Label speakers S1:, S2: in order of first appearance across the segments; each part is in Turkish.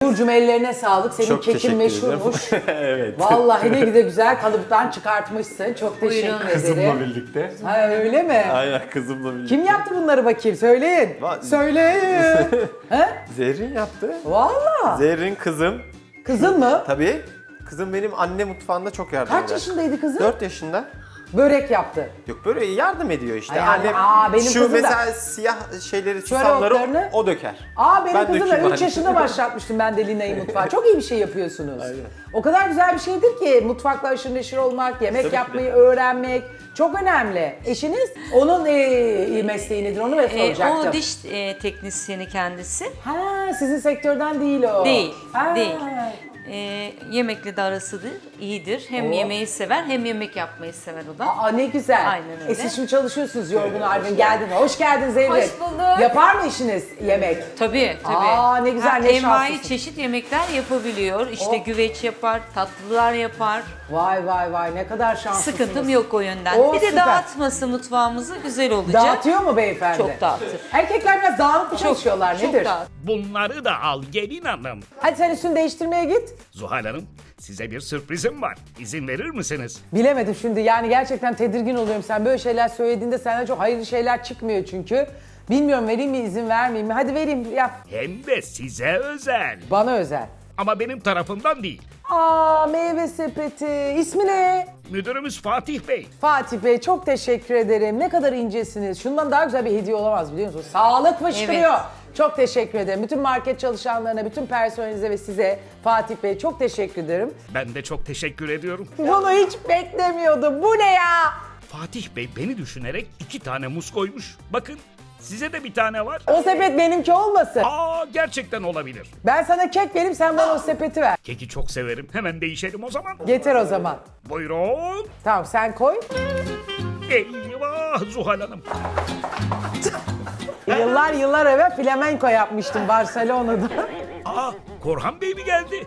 S1: Uğur'cum ellerine sağlık. Senin
S2: Çok
S1: kekin
S2: teşekkür
S1: meşhurmuş.
S2: ederim. Evet.
S1: Vallahi ne de güzel kalıptan çıkartmışsın. Çok teşekkür
S3: Buyurun.
S2: Kızımla
S1: ederim.
S2: birlikte.
S1: Ha öyle mi?
S2: Aynen kızımla birlikte.
S1: Kim yaptı bunları bakayım? Söyleyin. Söyleyin. He?
S2: Zerrin yaptı.
S1: Vallahi.
S2: Zerrin kızım.
S1: Kızın mı?
S2: Tabii. Kızım benim anne mutfağında çok yardım eder.
S1: Kaç yaşındaydı kızın?
S2: 4 yaşında.
S1: Börek yaptı.
S2: Yok böyle yardım ediyor işte.
S1: Ay, yani,
S2: Annem
S1: benim
S2: şu
S1: kızım da-
S2: mesela siyah şeyleri,
S1: Şöyle
S2: susamları
S1: otlarını-
S2: o döker.
S1: Benim
S2: Ben
S1: kızım da
S2: dökeyim
S1: 3
S2: hani.
S1: yaşında başlatmıştım ben de Lina'yı mutfağa. Çok iyi bir şey yapıyorsunuz. O kadar güzel bir şeydir ki mutfakla aşırı neşir olmak, yemek
S2: Tabii ki de.
S1: yapmayı öğrenmek çok önemli. Eşiniz onun mesleği nedir onu ve soracaktım.
S3: O diş teknisyeni kendisi.
S1: Ha, sizin sektörden değil o.
S3: Değil,
S1: Ha.
S3: değil. Yemekle de arasıdır, iyidir. Hem
S1: Oo.
S3: yemeği sever hem yemek yapmayı sever o da.
S1: Aa ne güzel.
S3: Aynen öyle.
S1: Siz şimdi çalışıyorsunuz yorgun argın geldin. Hoş geldin Zerrin.
S4: Hoş bulduk.
S1: Yapar mı işiniz yemek?
S3: Tabii.
S1: Aa, ne güzel, ne
S3: envai
S1: şanslısın.
S3: çeşit yemekler yapabiliyor. İşte
S1: Oh.
S3: güveç yapar, tatlılar yapar.
S1: Vay vay vay ne kadar şanslısınız.
S3: Sıkıntım yok o yönden.
S1: Oo,
S3: bir de
S1: süper.
S3: dağıtması mutfağımızı güzel olacak.
S1: Dağıtıyor mu beyefendi?
S3: Çok dağıtır.
S1: Erkekler biraz dağınık mı
S3: Çok,
S1: çalışıyorlar
S3: çok
S1: nedir?
S3: dağıtır.
S5: Bunları da al gelin hanım.
S1: Hadi sen üstünü değiştirmeye git.
S5: Zuhal Hanım, size bir sürprizim var. İzin verir misiniz?
S1: Bilemedim şimdi yani gerçekten tedirgin oluyorum. Sen böyle şeyler söylediğinde senden çok hayırlı şeyler çıkmıyor çünkü. Bilmiyorum vereyim mi izin vermeyeyim mi? Hadi vereyim yap.
S5: Hem de size özel.
S1: Bana özel.
S5: Ama benim tarafımdan değil.
S1: Meyve sepeti. İsmi ne?
S5: Müdürümüz Fatih Bey.
S1: Fatih Bey çok teşekkür ederim. Ne kadar incesiniz. Şundan daha güzel bir hediye olamaz biliyor musunuz? Sağlık fışkırıyor.
S3: Evet.
S1: Çok teşekkür ederim. Bütün market çalışanlarına, bütün personelinize ve size Fatih Bey çok teşekkür ederim.
S5: Ben de çok teşekkür ediyorum.
S1: Bunu hiç beklemiyordum. Bu ne ya?
S5: Fatih Bey beni düşünerek 2 tane muz koymuş. Bakın size de bir tane var.
S1: O sepet benimki olmasın.
S5: Gerçekten olabilir.
S1: Ben sana kek vereyim sen bana o sepeti ver.
S5: Keki çok severim. Hemen değişelim o zaman.
S1: Getir o zaman.
S5: Buyurun.
S1: Tamam sen koy.
S5: Eyvah Zuhal Hanım.
S1: Yıllar evvel flamenko yapmıştım Barcelona'da.
S5: Korhan Bey mi geldi?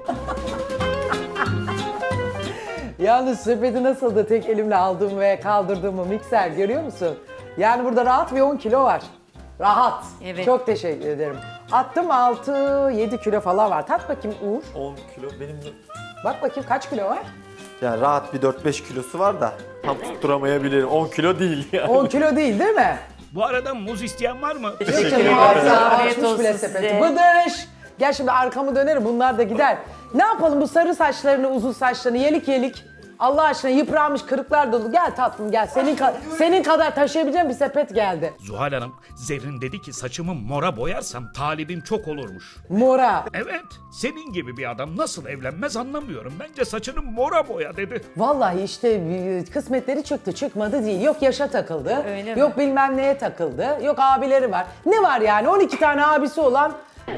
S1: Yalnız sepeti nasıldı tek elimle aldığım ve kaldırdığımı mikser görüyor musun? Yani burada rahat bir 10 kilo var. Rahat.
S3: Evet.
S1: Çok teşekkür ederim. Attım 6-7 kilo falan var. Tat bakayım Uğur.
S2: 10 kilo benim de...
S1: Bak bakayım kaç kilo var?
S2: Yani rahat bir 4-5 kilosu var da tam tutturamayabilirim. 10 kilo değil yani.
S1: 10 kilo değil mi?
S5: Bu arada muz isteyen var mı?
S1: Yok canım,
S2: ederim.
S3: Afiyet
S1: açmış bile
S3: olsun
S1: sepeti.
S3: size.
S1: Bıdış! Gel şimdi arkamı dönerim bunlar da gider. Ne yapalım bu sarı saçlarını, uzun saçlarını yelik yelik. Allah aşkına yıpranmış kırıklar dolu. Gel tatlım gel. Senin kadar taşıyabileceğim bir sepet geldi.
S5: Zuhal Hanım, Zerrin dedi ki saçımı mora boyarsam talibim çok olurmuş.
S1: Mora.
S5: Evet, senin gibi bir adam nasıl evlenmez anlamıyorum. Bence saçını mora boya dedi.
S1: Vallahi işte kısmetleri çıktı çıkmadı değil. Yok yaşa takıldı.
S3: Öyle mi?
S1: Yok bilmem neye takıldı. Yok abileri var. Ne var yani 12 tane abisi olan.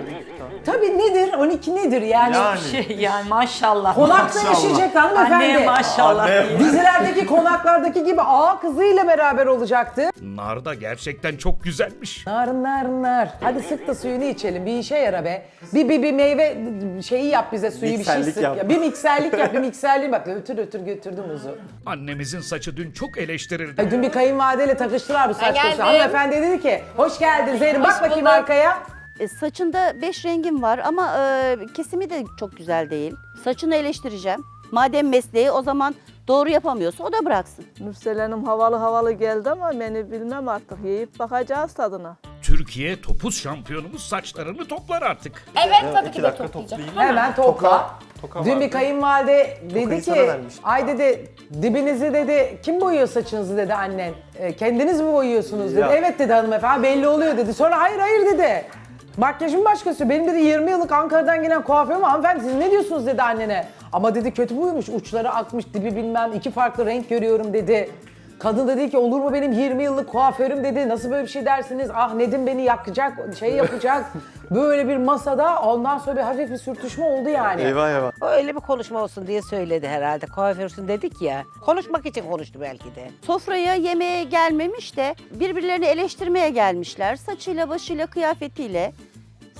S1: Tabii nedir? 12 nedir yani?
S3: Yani maşallah.
S1: Konakta yaşayacak hanımefendi.
S3: Anneye maşallah.
S2: Anne.
S1: Dizilerdeki konaklardaki gibi ağa kızıyla beraber olacaktı.
S5: Nar da gerçekten çok güzelmiş.
S1: Nar. Hadi sık da suyunu içelim. Bir işe yara be. Bir meyve şeyi yap bize suyu bir şey
S2: Mikserlik
S1: sık.
S2: yap.
S1: Ya. Bir mikserlik yap. Bir mikserliği bak. Ötür götürdüm muzu.
S5: Annemizin saçı dün çok eleştirildi.
S1: Dün bir kayınvalideyle takıştılar bu saç
S4: geldim.
S1: konusunda. Hanımefendi dedi ki hoş geldin Zehrin. Bak bakayım
S4: bulduk.
S1: arkaya.
S6: Saçında 5 rengim var ama kesimi de çok güzel değil. Saçını eleştireceğim. Madem mesleği o zaman doğru yapamıyorsa o da bıraksın.
S7: Nursel Hanım havalı geldi ama beni bilmem artık. Yiyip bakacağız tadına.
S5: Türkiye topuz şampiyonumuz saçlarını toplar artık.
S4: Evet tabii ki
S2: 2
S4: de
S2: dakika
S4: toplayacağım.
S2: toplayayım.
S1: Hemen topla.
S2: Toka
S1: Dün
S2: vardı.
S1: bir kayınvalide dedi
S2: Tokayı
S1: ki,
S2: sana vermiştim.
S1: ay dedi dibinizi dedi, kim boyuyor saçınızı dedi annen. Kendiniz mi boyuyorsunuz dedi.
S2: Ya.
S1: Evet dedi hanımefendi belli oluyor dedi. Sonra hayır dedi. Makyajın başkası. Benim dedi 20 yıllık Ankara'dan gelen kuaförüm hanımefendi siz ne diyorsunuz dedi annene. Ama dedi kötü buymuş uçları akmış dibi bilmem 2 farklı renk görüyorum dedi. Kadın dedi ki olur mu benim 20 yıllık kuaförüm dedi. Nasıl böyle bir şey dersiniz? Ah Nedim beni yakacak, şey yapacak. Böyle bir masada ondan sonra bir hafif bir sürtüşme oldu yani.
S2: Eyvah.
S8: O öyle bir konuşma olsun diye söyledi herhalde. Kuaförsün dedik ya. Konuşmak için konuştu belki de.
S6: Sofraya yemeğe gelmemiş de birbirlerini eleştirmeye gelmişler. Saçıyla, başıyla, kıyafetiyle.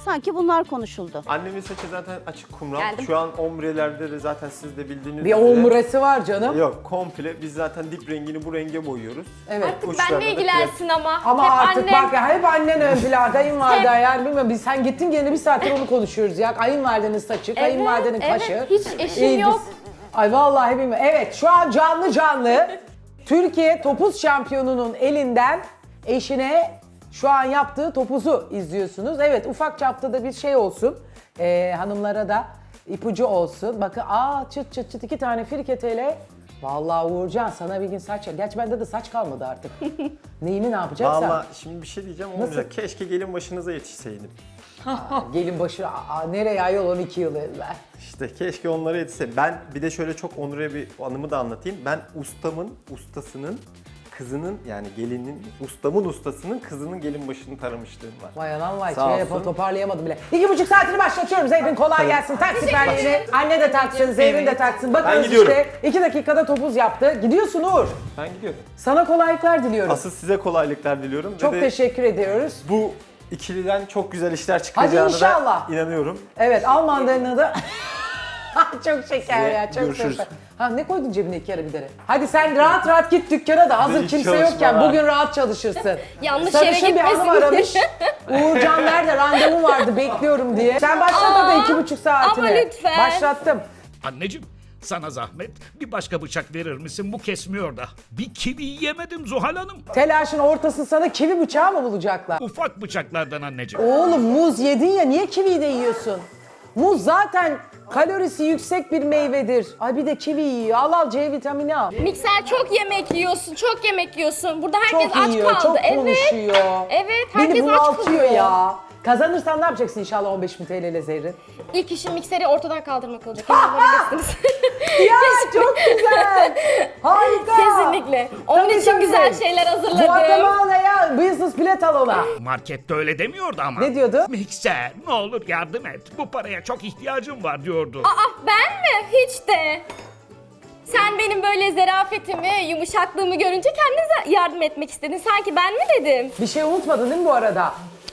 S6: Sanki bunlar konuşuldu.
S2: Annemin saçı zaten açık kumral.
S4: Geldim.
S2: Şu an ombrelerde de zaten siz de bildiğiniz
S1: Bir
S2: üzere.
S1: omurası var canım.
S2: Yok, komple biz zaten dip rengini bu renge boyuyoruz.
S1: Evet.
S4: Artık
S2: Uçlarına
S4: benle
S2: da
S4: ilgilensin ama.
S1: Ama
S4: Hep
S1: artık
S4: annem.
S1: bak ya hep annen ön plan, kayınvalide
S4: Hep.
S1: yani bilmiyorum biz sen gittin gene bir saattir onu konuşuyoruz ya. Kayınvalidenin saçı, kayınvalidenin
S4: evet,
S1: kaşı.
S4: hiç eşim
S1: İyi,
S4: yok.
S1: Ay vallahi bilmiyorum. Evet şu an canlı Türkiye topuz şampiyonunun elinden eşine şu an yaptığı topuzu izliyorsunuz. Evet ufak çapta da bir şey olsun. Hanımlara da ipucu olsun. Bakın çıt çıt çıt 2 tane firketeyle. Vallahi Uğurcan sana bir gün saç... Gerçi bende de saç kalmadı artık. Neyini ne yapacaksan.
S2: Vallahi şimdi bir şey diyeceğim olmayacak. Keşke gelin başınıza yetişseydim.
S1: Gelin başı nereye ayol 12 yıl evvel.
S2: İşte keşke onlara yetişse. Ben bir de şöyle çok onure bir anımı da anlatayım. Ben ustasının kızının yani gelinin, ustamın ustasının kızının gelin başını taramışlığım var.
S1: Vay anam vay.
S2: Sağ
S1: Şey
S2: olsun.
S1: toparlayamadım bile. 2,5 saatini başlatıyorum. Zeyrin kolay gelsin. Tak siperliğini. Anne de taksın, Zeyrin de taksın. Bakın
S2: Ben gidiyorum.
S1: işte 2 dakikada topuz yaptı. Gidiyorsun Uğur.
S2: Ben gidiyorum.
S1: Sana kolaylıklar diliyorum.
S2: Asıl size kolaylıklar diliyorum.
S1: Çok
S2: Ve de
S1: teşekkür ediyoruz.
S2: bu ikiliden çok güzel işler çıkacağına
S1: inşallah.
S2: da inanıyorum.
S1: Evet Almanların da çok şeker ya, çok
S2: Görüşürüz.
S1: şeker. Ha ne koydun cebine 2 karabiber'i? Hadi sen rahat rahat git dükkana da hazır
S2: İyi
S1: kimse
S2: çalışmalar.
S1: yokken bugün rahat çalışırsın.
S4: Yanlış yere
S1: Sarışın bir hanım
S4: gitmesin diye.
S1: aramış. Uğurcan nerede randevum vardı bekliyorum diye. Sen başlat da 2,5 saatine.
S4: ama lütfen.
S1: Başlattım.
S5: Anneciğim sana zahmet bir başka bıçak verir misin? Bu kesmiyor da. Bir kivi yemedim Zuhal Hanım.
S1: Telaşın ortası sana kivi bıçağı mı bulacaklar?
S5: Ufak bıçaklardan anneciğim.
S1: Oğlum muz yedin ya niye kiviyi de yiyorsun? Muz zaten kalorisi yüksek bir meyvedir. Ay bir de kivi yiyor. Al C vitamini al.
S4: Mikser çok yemek yiyorsun, çok yemek yiyorsun. Burada herkes
S1: Çok
S4: aç
S1: yiyor,
S4: kaldı.
S1: çok
S4: Evet.
S1: konuşuyor.
S4: Evet,
S1: Beni
S4: herkes aç
S1: bunaltıyor
S4: kalıyor.
S1: ya. Kazanırsan ne yapacaksın inşallah 15.000 TL ile Zehrin?
S4: İlk işim mikseri ortadan kaldırmak olacak. Yapabilirsiniz.
S1: Ya çok güzel. Harika.
S4: Kesinlikle. Onun
S1: Tabii,
S4: için
S1: tabii.
S4: güzel şeyler hazırladım.
S1: Guatemala'ya business bilet al ona.
S5: Markette öyle demiyordu ama.
S1: Ne diyordu?
S5: Mikser ne olur yardım et. Bu paraya çok ihtiyacım var diyordu.
S4: Aa ben mi? Hiç de. Sen benim böyle zarafetimi, yumuşaklığımı görünce kendine yardım etmek istedin. Sanki ben mi dedim?
S1: Bir şey unutmadın değil mi bu arada?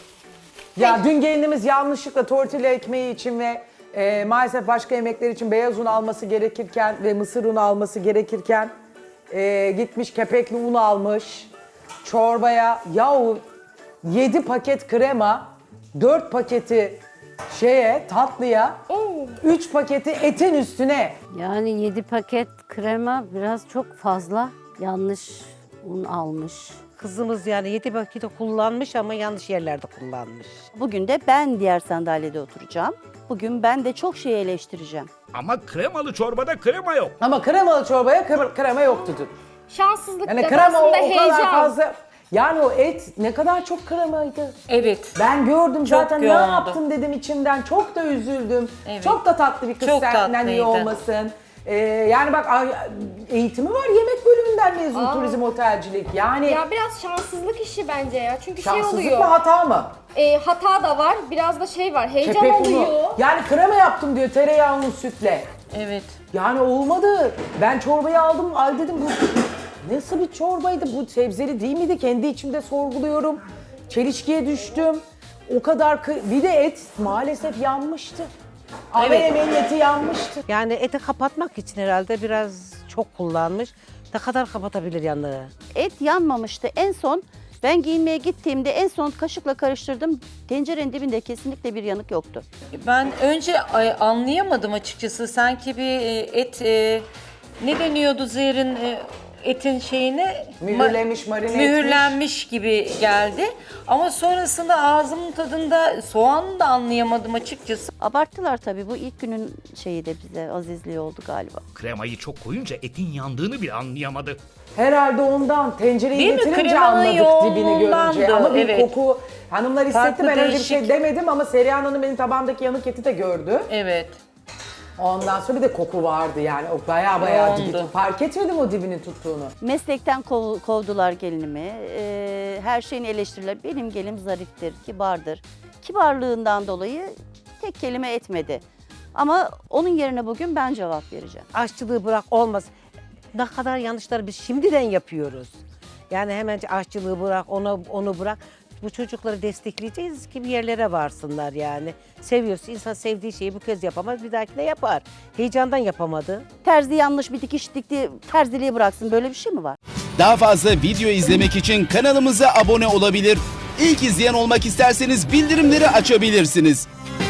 S1: Ya dün gelinimiz yanlışlıkla tortilla ekmeği için ve maalesef başka yemekler için beyaz un alması gerekirken ve mısır unu alması gerekirken gitmiş kepekli un almış. Çorbaya yahu 7 paket krema, 4 paketi tatlıya,
S4: Oo.
S1: 3 paketi etin üstüne.
S9: Yani 7 paket krema biraz çok fazla. Yanlış un almış.
S8: Kızımız yani 7 paketi kullanmış ama yanlış yerlerde kullanmış.
S6: Bugün de ben diğer sandalyede oturacağım. Bugün ben de çok şey eleştireceğim.
S5: Ama kremalı çorbada krema yok.
S1: Ama kremalı çorbaya krema yoktu dün.
S4: Şanssızlık
S1: Yani
S4: da
S1: krema o
S4: aslında
S1: kadar
S4: heyecan.
S1: fazla. Yani o et ne kadar çok kremaydı.
S3: Evet.
S1: Ben gördüm zaten ne
S3: yoğundu.
S1: yaptım dedim içimden. Çok da üzüldüm.
S3: Evet.
S1: Çok da tatlı bir kız
S3: Çok
S1: senden iyi
S3: tatlıydı.
S1: olmasın. Yani bak eğitimi var yemek bölümünden mezun turizm otelcilik. Yani
S4: Ya biraz şanssızlık işi bence ya. Çünkü şey
S1: şanssızlık
S4: oluyor.
S1: mı hata mı?
S4: Hata da var. Biraz da şey var. Heyecan
S1: Kepek
S4: oluyor.
S1: unu. Yani krema yaptım diyor tereyağlı sütle.
S3: Evet.
S1: Yani olmadı. Ben çorbayı aldım. Ay dedim bu nasıl bir çorbaydı? Bu sebzeli değil miydi? Kendi içimde sorguluyorum. Çelişkiye düştüm. O kadar bir de et maalesef yanmıştı. Ana yemeğin eti yanmıştı.
S8: Yani eti kapatmak için herhalde biraz çok kullanmış. Ne kadar kapatabilir yanlığı?
S6: Et yanmamıştı. En son ben giyinmeye gittiğimde en son kaşıkla karıştırdım. Tencerenin dibinde kesinlikle bir yanık yoktu.
S3: Ben önce anlayamadım açıkçası. Sanki bir ne deniyordu Zehrin etin şeyine?
S1: Mühürlemiş, marine
S3: Mühürlenmiş gibi geldi. Ama sonrasında ağzımın tadında soğanı da anlayamadım açıkçası.
S6: Abarttılar tabii. Bu ilk günün şeyi de bize azizliği oldu galiba.
S5: Kremayı çok koyunca etin yandığını bile anlayamadı.
S1: Herhalde ondan tencereyi
S3: Değil mi?
S1: getirince
S3: Kremanın
S1: anladık dibini görünce.
S3: yoğunluğundandı,
S1: Ama bir
S3: evet.
S1: koku hanımlar hissetti.
S3: Farklı,
S1: Ben öyle bir şey
S3: değişik.
S1: demedim ama Serihan Hanım benim tabağımdaki yanık eti de gördü.
S3: Evet.
S1: Ondan sonra bir de koku vardı yani. O baya dibi
S3: Yoğundu.
S1: tuttu. Fark etmedim o dibini tuttuğunu.
S6: Meslekten kovdular gelinimi. Her şeyini eleştirirler. Benim gelinim zariftir, kibardır. Kibarlığından dolayı tek kelime etmedi. Ama onun yerine bugün ben cevap vereceğim.
S8: Aşçılığı bırak olmaz. Ne kadar yanlışları biz şimdiden yapıyoruz. Yani hemen aşçılığı bırak, onu bırak. bu çocukları destekleyeceğiz ki bir yerlere varsınlar yani. Seviyorsa insan sevdiği şeyi bu kez yapamaz, bir dahakine yapar. Heyecandan yapamadı.
S6: Terzi yanlış bir dikiş dikti, terziliği bıraksın, böyle bir şey mi var?
S10: Daha fazla video izlemek için kanalımıza abone olabilir. İlk izleyen olmak isterseniz bildirimleri açabilirsiniz.